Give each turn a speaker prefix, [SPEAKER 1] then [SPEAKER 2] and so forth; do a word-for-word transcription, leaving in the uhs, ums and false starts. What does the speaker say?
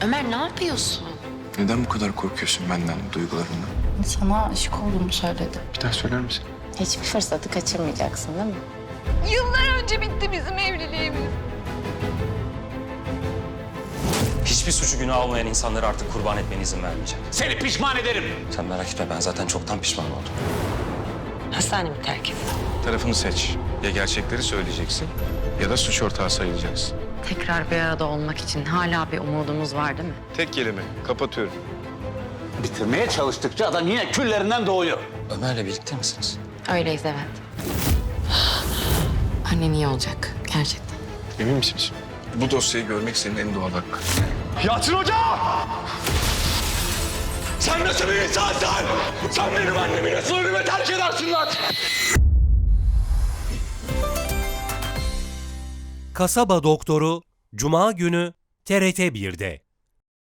[SPEAKER 1] Ömer ne yapıyorsun?
[SPEAKER 2] Neden bu kadar korkuyorsun benden, duygularımdan?
[SPEAKER 1] Sana aşık olduğumu söyledi.
[SPEAKER 2] Bir daha söyler misin?
[SPEAKER 1] Hiçbir fırsatı kaçırmayacaksın değil mi?
[SPEAKER 3] Yıllar önce bitti bizim evliliğimiz.
[SPEAKER 4] Hiçbir suçu günah olmayan insanları artık kurban etmene izin vermeyeceğim.
[SPEAKER 5] Seni pişman ederim.
[SPEAKER 4] Sen merak etme, ben zaten çoktan pişman oldum.
[SPEAKER 1] Hastanemi terk et.
[SPEAKER 2] Tarafını seç. Ya gerçekleri söyleyeceksin ya da suç ortağı sayılacaksın.
[SPEAKER 1] Tekrar bir arada olmak için hala bir umudumuz var değil mi?
[SPEAKER 2] Tek kelime. Kapatıyorum.
[SPEAKER 5] Bitirmeye çalıştıkça adam yine küllerinden doğuyor.
[SPEAKER 4] Ömer'le birlikte misiniz?
[SPEAKER 1] Öyleyiz evet. Annen iyi olacak gerçekten.
[SPEAKER 2] Emin misin? Bu dosyayı görmek senin en doğal hakkın.
[SPEAKER 5] Yalçın Hoca! Sen nasıl bir insansın? Sen benim annemi nasıl ölüme terk edersin lan?
[SPEAKER 6] Kasaba Doktoru Cuma günü T R T bir'de.